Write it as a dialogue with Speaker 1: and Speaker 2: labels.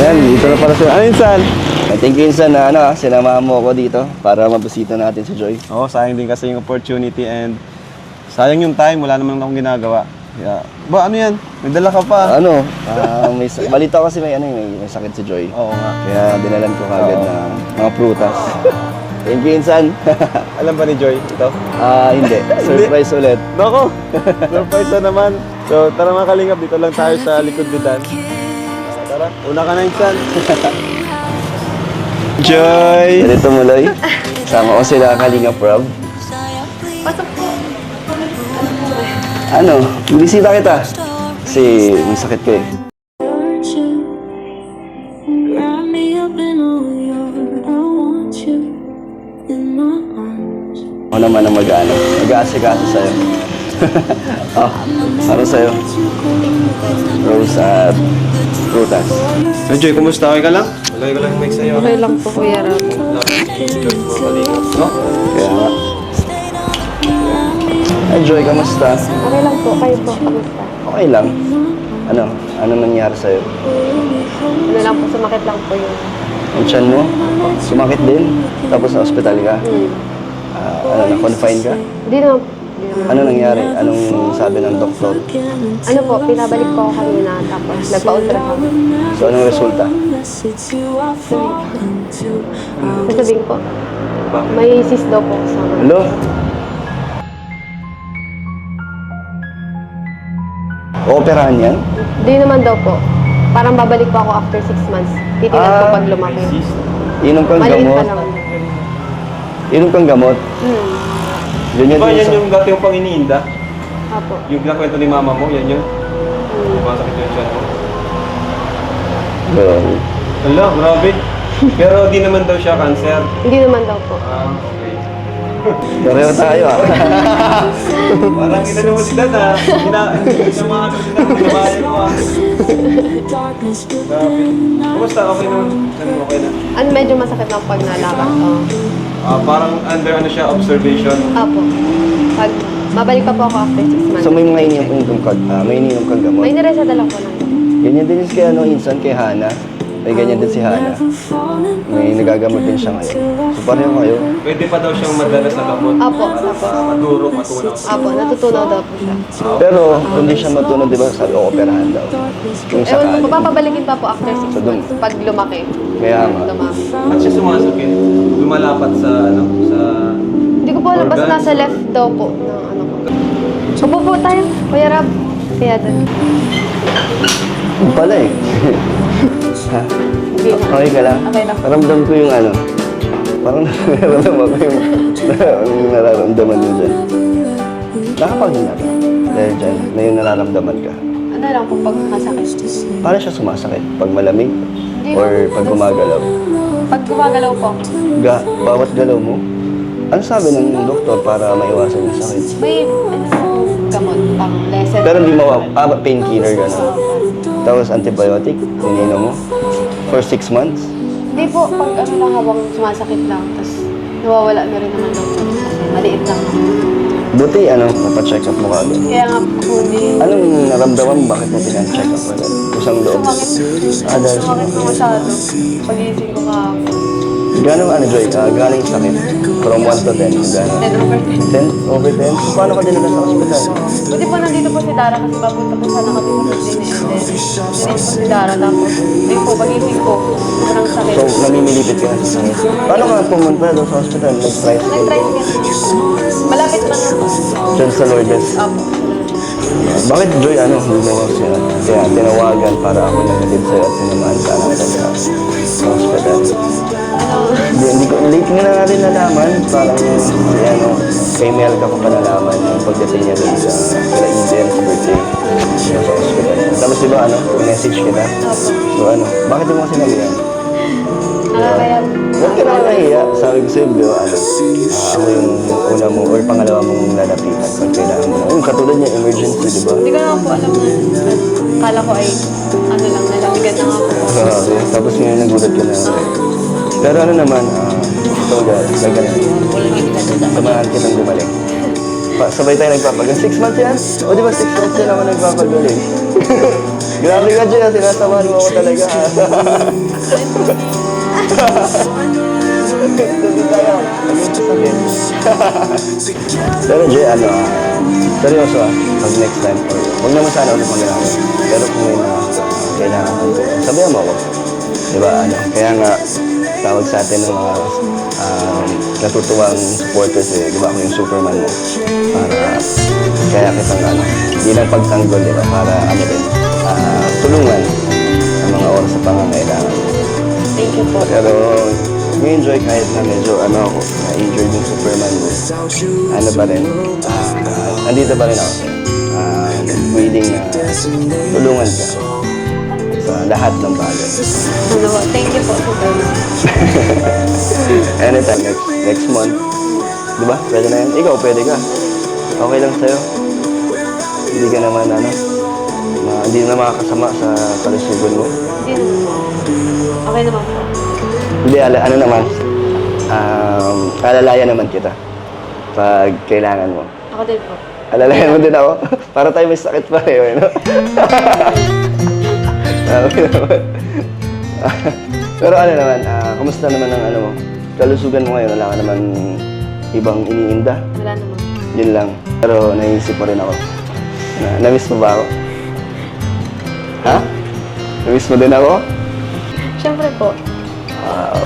Speaker 1: Ayan, dito na pala sila. Ano Insan? Thank you Insan na sinamahan mo ako dito para mabisita natin si Joy.
Speaker 2: Oo, sayang din kasi yung opportunity and sayang yung time, wala naman akong ginagawa. Yeah. Ba, ano yan? May dala ka pa.
Speaker 1: Balita ko kasi may sakit si Joy.
Speaker 2: Oo nga.
Speaker 1: Kaya dinalan ko kagad na mga prutas. Thank you Insan.
Speaker 2: Alam ba ni Joy ito?
Speaker 1: Hindi. Surprise ulit.
Speaker 2: Nako, surprise na naman. So, tara mga kalingap, dito lang tayo sa likod bitan. Tara, una ka na Insan. Joy!
Speaker 1: Ganito Muloy. Sama ko sila Kalinga Prab.
Speaker 3: Pasok po.
Speaker 1: Bisita kita. Kasi may sakit ko eh. Ako naman ang mag-aasikaso sa'yo. Ano sa'yo? Rose at prutas.
Speaker 2: Hey Joy, kumusta? Okay ka lang? Lagay ko lang yung mic sa'yo.
Speaker 3: Okay lang po, Kuya Ram.
Speaker 2: No?
Speaker 1: Kaya nga. Ay, Joy, kamusta?
Speaker 3: Okay lang po, kayo po, kamusta?
Speaker 1: Okay lang. Ano nangyari sa'yo?
Speaker 3: Ano lang po, sumakit lang po yung...
Speaker 1: Yung tiyan mo? Sumakit din? Tapos sa ospital ka? Na-confine ka?
Speaker 3: Hindi naman.
Speaker 1: Ano nangyari? Anong sabi ng doktor?
Speaker 3: Ano po, pinabalik po ako kanina, tapos nagpa-ultrasound.
Speaker 1: So, anong resulta?
Speaker 3: Sasabihin po, may cyst daw po sa...
Speaker 1: Hello? Ooperahan yan?
Speaker 3: Hindi naman daw po. Parang babalik po ako after 6 months. Titignan po pag lumaki.
Speaker 1: Inom kang
Speaker 3: Maliit pa
Speaker 1: gamot?
Speaker 3: naman.
Speaker 1: Inom kang gamot? Ganyan
Speaker 2: Diba
Speaker 1: din
Speaker 2: yan
Speaker 1: sa...
Speaker 2: yung dati yung pang-iniinda?
Speaker 3: Apo.
Speaker 2: Yung pinakwento ni mama mo, yan yun? Masakit yung tiyan mo?
Speaker 1: Well,
Speaker 2: Ala, grabe. Pero di naman daw siya cancer.
Speaker 3: Hindi naman daw po.
Speaker 2: Okay.
Speaker 1: pareho tayo
Speaker 2: Parang inano mo si Dad sinamahan mo si Dad, sinabayan mo Grabe. Kumusta? Okay naman? Okay na?
Speaker 3: Medyo masakit lang pag nalaman ko.
Speaker 2: Parang under observation.
Speaker 3: Apo. Pag mabalik pa po ako after 6 months.
Speaker 1: So may mga ininom kang gamot?
Speaker 3: May nireseta lang po lang.
Speaker 1: Ganyan din kay Insan, kay Hana. May ganyan din si Hana. May nagagamot din siya ngayon. So pareho kayo.
Speaker 2: Pwede pa daw siyang madala sa gamot.
Speaker 3: Apo.
Speaker 2: Para maduro, matunaw.
Speaker 3: Apo, natutunaw daw po siya.
Speaker 1: Pero kung di siya matunog, di ba sabi ko, operahan daw. Yung
Speaker 3: Ewan
Speaker 1: sakali.
Speaker 3: ko, papabalikin pa po after 6
Speaker 1: So,
Speaker 3: months. Pag lumaki.
Speaker 1: Kaya nga.
Speaker 3: Lumaki.
Speaker 2: At siya sumasakit. Lumalapat sa sa...
Speaker 3: Hindi ko po alam, basta nasa left daw po. Ko. Upo po tayo, Kuya Rab. Kaya doon.
Speaker 1: Yung pala eh. Ha? Okay ka lang?
Speaker 3: Okay lang.
Speaker 1: Naramdam ko yung parang nararamdaman ko yung nararamdaman mo dyan. Nakapaghinga ka. Dahil dyan, na yung nararamdaman ka.
Speaker 3: Ano lang po pag masakit?
Speaker 1: Paano siya sumasakit? Pag malamig?
Speaker 3: Hindi
Speaker 1: Or
Speaker 3: po.
Speaker 1: pag gumagalaw?
Speaker 3: Pag gumagalaw po,
Speaker 1: Bawat galaw mo? Ano sabi ng doktor para maiwasan yung sakit?
Speaker 3: may gamot pang lesson.
Speaker 1: Pero hindi painkiller gano'n. Tapos antibiotic, ininom mo? For 6 months?
Speaker 3: Hindi po, pag lang habang sumasakit lang, tapos nawawala na rin naman daw. Maliit lang.
Speaker 1: Buti, mapacheck up mo kagad.
Speaker 3: Kaya nga po, hindi.
Speaker 1: Anong naramdaman mo? Bakit mo pina-check up agad? Kusang loob?
Speaker 3: Sumakit.
Speaker 1: Dahil
Speaker 3: Sumakit po masyado. Pag-iisip ko kahapon.
Speaker 1: Gano'ng Joy? Gano'ng yung sakit? From 1 to 10? Gano'ng?
Speaker 3: 10 over 10.
Speaker 1: 10 over 10? Paano ka dinala sa ospital?
Speaker 3: Buti po nandito po si Dara kasi papunta po sana kami sa Disney and then nandito po si Dara tapos ayun po, pag-isip ko, sobrang sakit.
Speaker 1: So, namimilipit ka na sa sakit. Paano ka pumunta doon sa ospital? Nag-tricycle?
Speaker 3: Nag-tricycle. Malapit lang ako.
Speaker 1: Diyan sa Lourdes.
Speaker 3: Apo.
Speaker 1: Bakit Joy, hindi mo kasi kaya tinawagan para ako naghatid sa'yo at sinamahan ka natin sa hospital? Hindi ko, late nga na natin nalaman, parang kay Mel ka pa nalaman yung pagdating niya doon sa kila Eden sa birthday sa hospital. Tapos diba message kita? So bakit mo kasi sinabi yan?
Speaker 3: Nakakaya.
Speaker 1: Huwag ka nakakahiya. Sabi ko sa'yo, diba, ako yung una mo or pangalawa mong lalapitan pag kailangan mo. Yung katulad niya, emergency, diba?
Speaker 3: Hindi ko naman po alam na kala ko ay nalamigan na ako.
Speaker 1: Tapos ngayon nagulat ka na. Pero naman, ito gagaling. Samahan kitang gumaling. Sabay tayo nagpapagaling. 6 months yan? O di ba 6 months yan ako nagpapagaling? Grabe ka dyan, sinasamahan mo ako talaga. Hindi tayo. Naging sakit. Pero Jay, seryoso pag next time, huwag naman sana ulit mag-ginagawa. Pero kung may mga kailangan ko, sabihan mo ako. Diba, kaya nga, tawag sa atin ng mga natutuwang supporters diba ako yung Superman mo. Para, kaya kitang hindi lang pagtanggol, diba, para din, tulungan ang mga oras sa pangangailangan.
Speaker 3: Thank you po.
Speaker 1: Pero, enjoy kahit na medyo na-injured yung Superman mo. Pa rin, andito pa rin ako. Willing na tulungan ka sa lahat ng bagay.
Speaker 3: Thank you po, Superman.
Speaker 1: Anytime, next month. Diba? Pwede na yan. Ikaw, pwede ka. Okay lang sa'yo. Hindi ka naman, hindi na makakasama sa kalusugan mo.
Speaker 3: Hindi naman. Okay naman po.
Speaker 1: Hindi, naman, alalayan naman kita pag kailangan mo.
Speaker 3: Ako din po.
Speaker 1: Alalayan mo din ako? Para tayo may sakit pareho, no? Okay naman. Pero naman, kumusta naman ang mo? Kalusugan mo ngayon, wala ka naman ibang iniinda.
Speaker 3: Wala naman.
Speaker 1: Yun lang. Pero naisip mo rin ako. Na-miss mo ba ako? Ha? Na-miss mo din ako?
Speaker 3: Siyempre po.